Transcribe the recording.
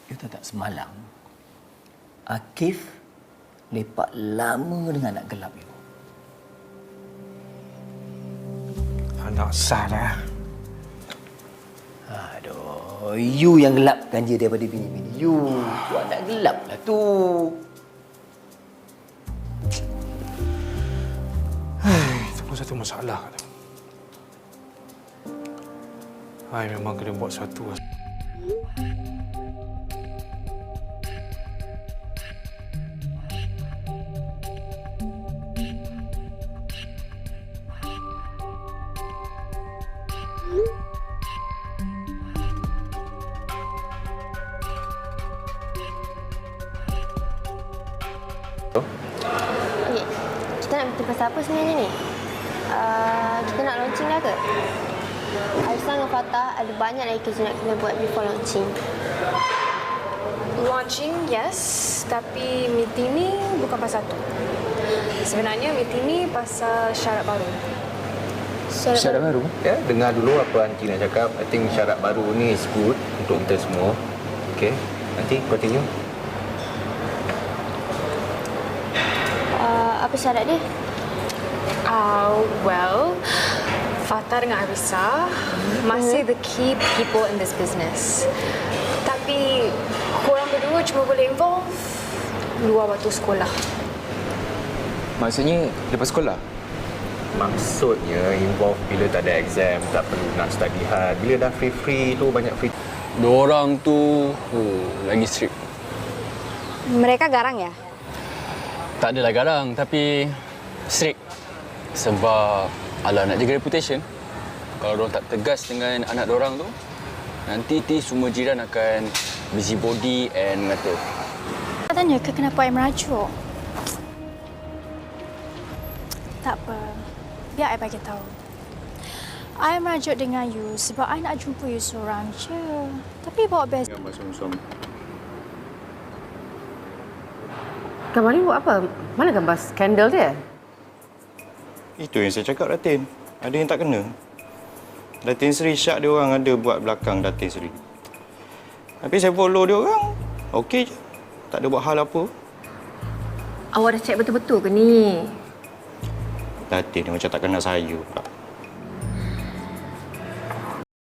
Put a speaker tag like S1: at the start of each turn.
S1: You tahu tak semalam, Akif lepak lama dengan anak gelap you.
S2: Anak salah.
S1: Aduh, you yang gelapkan dia daripada bini-bini you. Tu anak gelap lah tu.
S2: Itu pun satu masalah. Hai, memang kena buat satu.
S3: Okay, kita nak meeting pasal apa sebenarnya ni? Kita nak launching dah ke? Aisyah dengan Fatah ada banyak lagi kerja nak kena buat before launching.
S4: Launching, yes. Tapi meeting ni bukan pasal tu. Sebenarnya meeting ni pasal syarat baru.
S1: Syarat baru?
S5: Ya, dengar dulu apa Aunty nak cakap. I think syarat baru ni is good untuk kita semua. Okay, Aunty, continue.
S3: Apa syarat dia?
S4: Well, Fatah dengan Arissa masih the key people in this business. Tapi korang berdua cuma boleh involve luar waktu sekolah.
S6: Maksudnya lepas sekolah?
S5: Maksudnya involve bila tak ada exam, tak perlu nak study hard. Bila dah free-free tu, banyak free.
S6: Diorang tu lagi strict.
S3: Mereka garang ya?
S6: Tak adalah garang, tapi strict. Sebab alah nak jaga reputation. Kalau diorang tak tegas dengan anak diorang tu, nanti semua jiran akan busybody and mengata.
S7: Tanya ke kenapa I merajuk? Tak apa. Biar I bagi tahu. I merajuk dengan you sebab I nak jumpa you seorang je. Tapi bawa best.
S6: Gambar suami-suami.
S8: Gambar ni buat apa? Mana gambar skandal dia?
S9: Itu yang saya cakap, Datin. Ada yang tak kena. Datin Seri Syak dia orang ada buat belakang Datin Seri. Tapi saya follow dia orang, okey je. Tak ada buat hal apa.
S8: Awak dah cek betul-betul ke ni?
S9: Datin dia macam tak kenal saya pula.